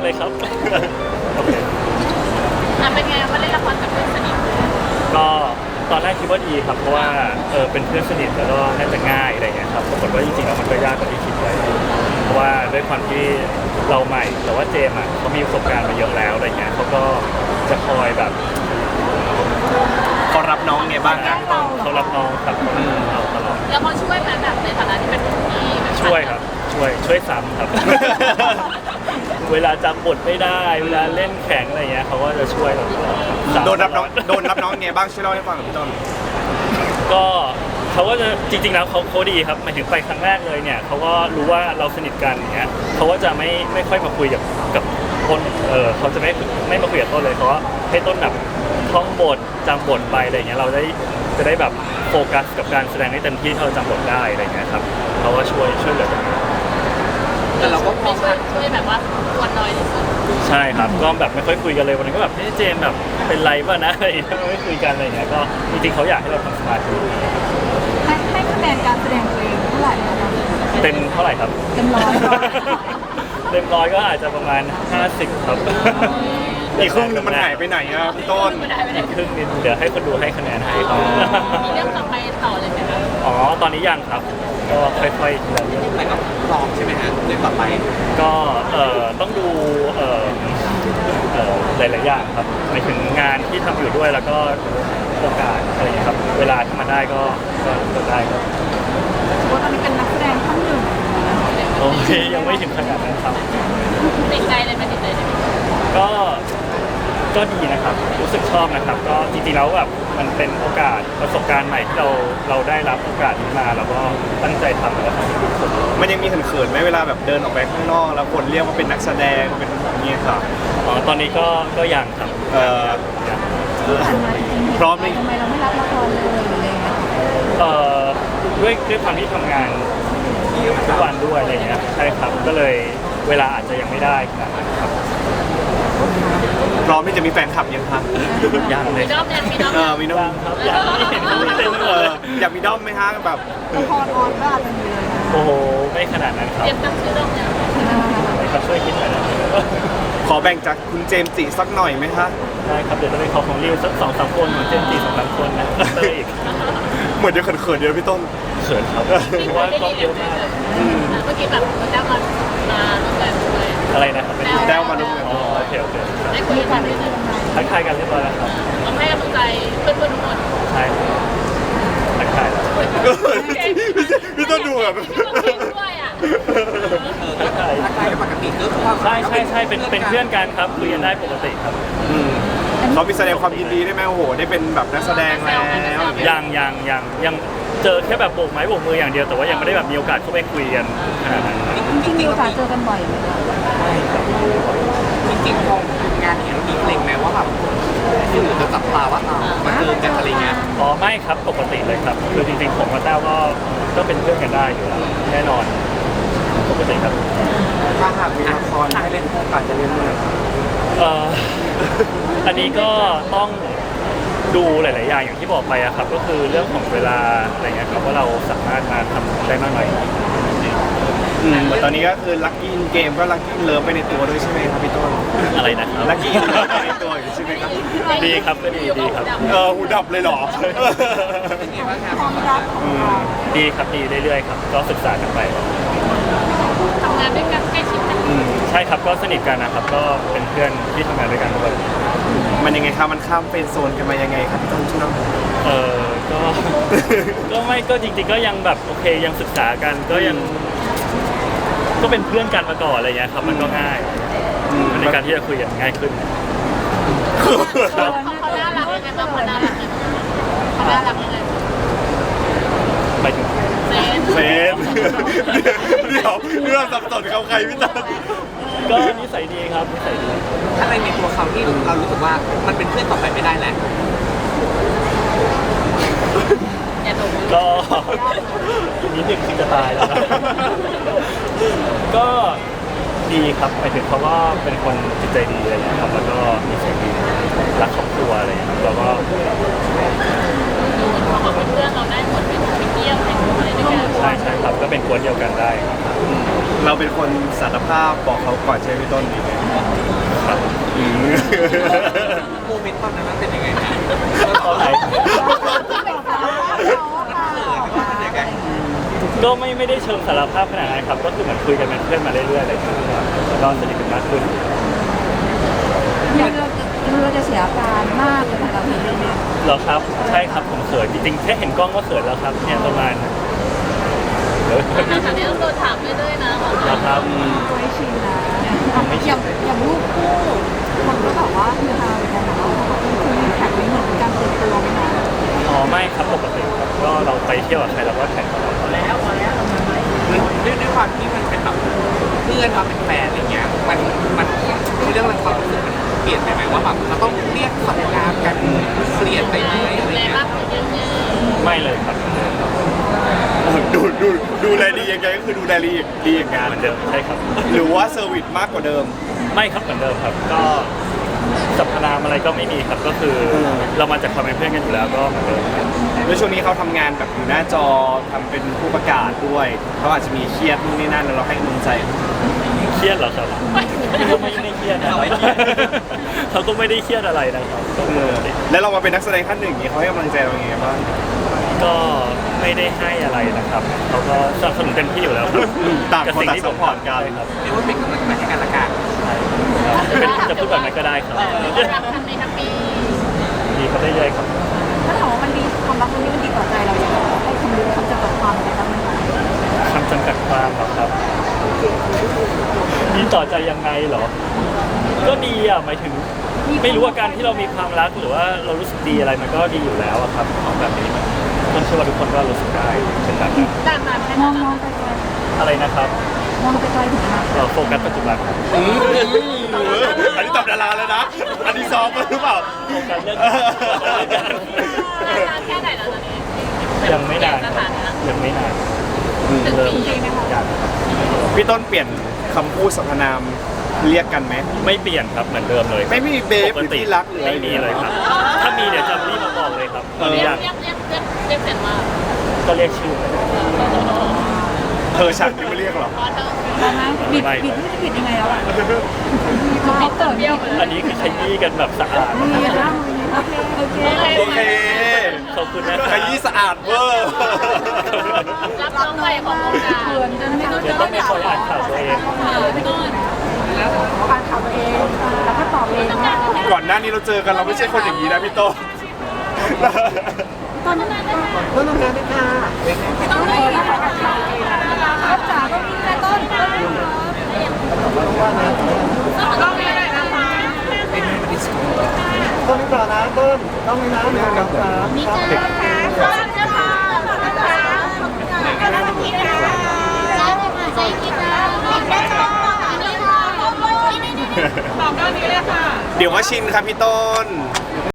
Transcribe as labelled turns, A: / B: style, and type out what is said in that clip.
A: เลยครับโอเค
B: เป็นไงมาเล่นละครกับเพื่อนสนิท
A: ก็ตอนแรกคิดว่าดีครับเพราะว่าเป็นเพื่อนสนิทแล้วก็น่าจะง่ายอะไรเงี้ยครับปรากฏว่าจริงๆแล้วมันก็ยากกว่าที่คิดไว้เพราะว่าด้วยความที่เราใหม่แต่ว่าเจมส์เขามีประสบการณ์มาเยอะแล้วอะไรเงี้ยเขาก็จะคอยแบบ
C: เขารับน้องไงบ้างครับ
A: เขารับน้องครับเราตลอด
B: แล้วเขาช่วยไหมแบบในฐานะที่เป็นพี่
A: ช่วยครับช่วยซ้ำครับ เวลาจำบทไม่ได้เวลาเล่นแข่งอะไรเงี้ยเขาก็จะช่วยเรา
C: โดนรับน้องไงบ้างช่วยเล่าให้ฟังกับพี่ต้น
A: ก็เขาก็จะจริงๆแล้วเขาดีครับหมายถึงไปครั้งแรกเลยเนี่ยเขาก็รู้ว่าเราสนิทกันอย่างเงี้ยเขาก็จะไม่ค่อยมาคุยกับต้นเขาจะไม่มาคุยกับต้นเลยเพราะว่าให้ต้นแบบท่องบทจำบทไปอะไรเงี้ยเราจะได้แบบโฟกัสกับการแสดงให้เต็มที่เราจำบทได้อะไรเงี้ยครับเขาก็ช่วยเหลือตรงนี้
B: แต่เราก็ไม่ช่วยแบบว่าควรน้อยที่สุด
A: ใช่ครับก็แบบไม่ค่อยคุยกันเลยวันนี้ก็แบบเจมแบบเป็นไรป่ะนะอะไรไม่คุยกันอะไรเงี้ยก็จริงๆเขาอยากให้เราทำสมาธิ
D: ให้คะแนนการแสดงตัวเองเท่าไหร่
A: เต็มเท่าไหร่ครับ
D: เต็มร้อย
A: เต็มร้อยก็อาจจะประมาณ50ครับ
C: อีกครึ่งนึงมันหายไปไหนครับพี่ต้น
A: อีกครึ่งนึงเดี๋ยวให้คนดูให้คะแนนให้ครับ
B: มีเรื่องต่อไปต่อเลยไหมครับ
A: อ๋อตอนนี้ยังครับก็ค่อยๆทีละเรื่อง
C: แต่ก็พร้อมใช่ไหมฮะเรื่องต่อไป
A: ก็ต้องดูหลายๆอย่างครับหมายถึงงานที่ทำอยู่ด้วยแล้วก็โอกาสอะไรอย่างนี้ครับเวลาที่มันได้ก็ได้ครับ
D: ว่าตอนนี้เป็นนักแสดงท่านหนึ่ง
A: โอเคยังไม่ถึงขนาดนั้นครับ
B: ติดใจเลยไหมติดใจเลย
A: ก็ดีนะครับรู้สึกชอบนะครับก็จริงๆแล้วแบบมันเป็นโอกาสประสบการณ์ใหม่ที่เราได้รับโอกาสนี้มาแล้วก็ตั้งใจทำแล้วก็ทำให้ดีที่สุด
C: มันยังมีเขินๆไหมเวลาแบบเดินออกไปข้างนอกแล้วคนเรียกว่าเป็นนักแสดงเป็นอย่างนี้ครับ
A: อ๋อตอนนี้ก็ยังครับ
C: พร้อมไหม
D: ทำไมเราไม่รับละครเลยหรืออะไรเงี้ย
A: ด้วยความที่ทำงานทุกวันด้วยอะไรเงี้ยใช่ครับก็เลยเวลาอาจจะยังไม่ได้ขนาดนั้นครับ
C: พร้อมที่จะมีแฟนคลับยังครับ
A: ยังเลย
B: มีด้อม
C: มีด้อม
A: ครับยังไม่เห็นเต็มเลย
C: อยากมีด้อมไหมฮะแบบ
D: ละครออนก็อาจจะมีเลย
A: โอ้โหไม่ขนาดนั้นครับ
B: เตรียมตั้งชื่อด้อมเนี่ย
A: ครับช่วยคิดหน่อยนะ
C: ขอแบ่งจากคุณเจมส์จิสักหน่อยไหมคะ
A: ได้ครับเดี๋ยวจะไปขอของริวสัก2-3 คนเหมือนเจมส์จิ2-3 คนนะอีก
C: เหมือนจะเขินๆเดียวพี่ต้น
A: เขินครับเพราะว่าก็เยอะมาก
B: เมื่อกี้แบบแต้วมาร่วมงานด้วย
A: อะไรนะครับ
C: แต้วมาร่วมงาน
A: โอเค
B: ได้คุยกันด้วยนะ
A: ทักทายกันเรียบร้อยแล้วครับ
B: ต้องให้กำลังใจเพื่อนๆทุกคน
A: ใช่ทักทาย
C: พี่ต้นดูแบบ
B: ด้วยอ่ะ
A: ทักทาย
C: ปกติก็
A: ใช่เป็นเพื่อนกันครับคุยกันได้ปกติครับ
C: เขามีแสดงความยินดีได้ไหมโอ้โหได้เป็นแบบนักแสดงแล้ว
A: ยังเจอแค่แบบโบกไม้โบกมืออย่างเดียวแต่ว่ายังไม่ได้แบบมีโอกาสเข้าไปคุยกันขนาดนั้น
D: จริงๆมีโอกาสเจอกันบ่อยไหมคะ
C: จริงๆพองานเห็นมีเพลงไหมว่าแบบที่หรือจะจับตาว่ามาเจอกันอะไรเงี้ย
A: อ๋อไม่ครับปกติเลยครับคือจริงๆผมกับแต้วก็เป็นเพื่อนกันได้อยู่แล้วแน่นอนปกติครับ
C: ถ้าหากมีละครให้เล่นคู่กันจะเล่นเมื่อไหร่
A: อันนี้ก็ต้องดูหลายๆอย่างอย่างที่บอกไปอะครับก็คือเรื่องของเวลาอะไรเงี้ยครับว่าเราสามารถมาทำได้มากน้อย
C: ตอนนี้ก็คือลัคกี้เกมก็ลัคกี้เลิฟไปในตัวด้วยใช่ไหมครับพี่ต้น
A: อะไรนะครับ
C: ลัคกี้เลิฟไปในตัวอยู่ใช่ไหมครับ
A: ดีครับก็ดีครับ
C: หูดับเลยเหรอ
D: ความรัก
A: ดีครับดีเรื่อยๆครับก็ศึกษากันไป
B: ทำงานด้วยกันใกล้ชิดกัน
A: ใช่ครับก็สนิทกันนะครับก็เป็นเพื่อนที่ทำงานด้วยกันทุกคน
C: มันยังไงครับมันข้ามเป็นโซนกันมายังไงครับพี่ต้นช่วยเล่า
A: ก็ไม่ก็จริงๆก็ยังแบบโอเคยังศึกษากันก็ยังก็เป็นเพื่อนกันมาก่อนอะไรเงี้ยครับมันก็ง่ายในการที่จะคุยกันง่ายขึ้น
B: เขาน่ารักยังไงบ้างเขาน่ารักยังไง
A: ไปถึง
C: เซนเดี๋ยวเรื่องสับสนเขาใครพี่ต้น
A: ก็นิสัยดีครับนิสัยดี
C: อะไรในตัวเขาที่เรารู้สึกว่ามันเป็นเพื่อนต่อไปไม่ได้แล้ว
A: ก็นิดนึงคือจะตายแล้วนะก็ดีครับหมายถึงเขาก็เป็นคนจิตใจดีอะไรอย่างเงี้ยครับแล้วก็นิสัยดีรักครอบครัวอะไรอย่างเงี้ยครับแล้วก็
B: เขาบอกเป็นเพื่อนเราได้หมดไปเที่ยวไปอะไรด้วยกัน
A: ใช่ใช่ครับก็เป็นกวนเดียวกันได้
E: เราเป็นคนสารภาพบอกเขาก่อนใช่ไหมพี่ต้นดีไหม
A: ครับ
C: โมเมนต์ตอนนั้นมันเป็นยังไงนะ
A: ตอนไหน ก็ไม่ได้เชิงสารภาพขนาดนั้นครับก็คือเหมือนคุยกันเป็นเพื่อนมาเรื่อยๆอะไรอย่างเงี้ยแล้วก็สนิทกันมากขึ้น
D: เราจะเสียอาการมากเลยนะคะพี่เรื่อง
A: เหรอครับใช่ครับผมเขินจริงๆแค่เห็นกล้องก็เขินแล้วครับเนี่ยประมาณ
B: นะคะเนี่ยต้องโดนถามเรื่อยๆนะบอก
A: เหรอครับ
D: ตัวให้ชินนะอย่างรูปคู่คนก็บอกว่าคือฮาเหมือนกันนะว่าคือมีแท็กไม่เหมือนการเปิดตัวไหมคะ
A: อ๋อไม่ครับปกติครับก็เราไปเที่ยวกับใครเราก็แท็กเขา
C: ด้วยความที่มันเป็นแบบเพื่อนมาเป็นแฟนอะไรเงี้ยมันเรื่องความรู้สึกมันเปลี่ยนไปไหมว่าแบบเราต้องเรียกสรรพนามกันเปลี่ยนไปไหมอะไร
B: แรง
C: เงี้ย
B: มากขึ้นเยอะ
A: ไม่เลยครับ
E: ดูแลดียังไงก็คือดูแลดีอย่างงาน
A: เหมือนเดิมใช่ครับ
E: หรือว่าเซอร์วิสมากกว่าเดิม
A: ไม่ครับเหมือนเดิมครับ ก็สรรพนามอะไรก็ไม่มีครับก็คือเรามาจากความเป็นเพื่อนกันอยู่แล้วก็เหมือนเดิมครับ
E: แล้วช่วงนี้เขาทำงานแบบอยู่หน้าจอทำเป็นผู้ประกาศด้วยเขาอาจจะมีเครียดนู่นนี่นั่นแล้วเราให้กำลังใจ
A: เครียดเหรอครับเขาไม่ได้เครียดนะเขาก็ไม่ได้เครียดอะไรนะครับก็ปกติ
E: แล้วเรามาเป็นนักแสดงท่านหนึ่งอย่างนี้เขาให้กำลังใจเราอย่างไงบ้าง
A: ก็ไม่ได้ให้อะไรนะครับเขาก็สนับสนุนเต็มที่อยู่แล้วครับ
E: ต่างคน
A: กับสิ่งที่ผม
E: ต่าง support กัน
A: ใช่ครับ
C: เรียกว่าเป็นกำลังใจให้กันละกัน
A: จะพูดแบบนั้นก็ได้ครับ
B: รักกันในทั้งปี
A: ดีเขาได้เลยๆครับ
D: ถ้าถามว่ามันดีความรักครั้งนี้มันดีต่อใจเราอย่างไรให้คำรู้คำจำกัดความอะไรบ้างไหมคะ
A: คำจำกัดความเหรอครับดีต่อใจยังไงเหรอ ก็ดีอ่ะหมายถึง ไม่รู้ว่าการที่เรามีความรักหรือว่าเรารู้สึกดีอะไรมันก็ดีอยู่แล้วอะครับของแบบนี้มันเชื่อว่าทุกคนก็รู้สึกได้เป็นแบบนั้น
B: ด้านนั้นแค่
D: มอ
B: นั้
D: ง
B: น
D: มองไกล
A: อะไรนะครับ
D: ๆมองไกลๆถึงอนาคต
A: เราโฟกัสปัจจุบันครับ
E: อันนี้ตอบดาราแล้วนะ อันนี้ซ้อมมาหรือเปล่า
A: โฟกัสเรื่อง
B: แค่ไหนแล้วตอนนี้
A: ยังไม่นาน
B: ส
A: ค
B: ถา
A: รับ
B: นะ
A: ยังไม่นาน
B: ถึง
A: เริ่ม
B: ปีไหมคะ
A: ยัง
E: พี่ต้นเปลี่ยนคำพูดสรรพนามเรียกกันไหม
A: ไม่เปลี่ยนครับเหมือนเดิมเลย
E: ไม่มีเบฟ
A: ป
E: หรือ
A: ติ
E: ที่รักหรืออะไร
A: ไม่มีเลยครับ ถ้ามีเดี๋ยวจะรีบมาบอกเลยครับตอนนี้
B: เรีย
A: ยั
B: ก
A: ง
B: เรียกเรียกเรียกเรียกเปลี่ยนว่า
A: ก็เรียกชื่อ
E: เธอฉันที่มาเรียกเหรอ
B: พอเธอ
D: ตอนนั้นบิดไม่รู้จะบิดยังไงแล้วอ่ะเขาเกิด
B: เบี้ยวไป
A: อันนี้คือขยี้กันแบบสะอาด
D: มีแล้วโอเค
E: โอเค
A: ขอบคุณนะ
E: ขยี้สะอาดเวอร์
B: รับน้องใหม่ของวงการ
D: เขินจนไม่รู้
A: เดี๋ยวต้องไปคอยอ่านข่าวตัวเอง
D: ไม่ต้องอ่านข่าวตัวเองแล้วก็ตอบเองว่า
E: ก่อนหน้านี้เราเจอกันเราไม่ใช่คนอย่างนี้นะพี่ต้น
D: ต้นต้องเลยนะคะจ๋าต้องมีแม่ต้น
B: ต้องมีอะไรนะคะ
E: ต้นต่อนะต้นต้องมีน้ำหนึ่งกับสาม
B: มีเจอค่ะขอบคุณค่ะขอบคุณค่ะขอบคุณค่ะขอบคุณค่ะใจกินนะบอกได้ค่ะนี่ค่ะบอกด้านนี้เลยค่ะ
E: เดี๋ยวว่าชินครับพี่ต้น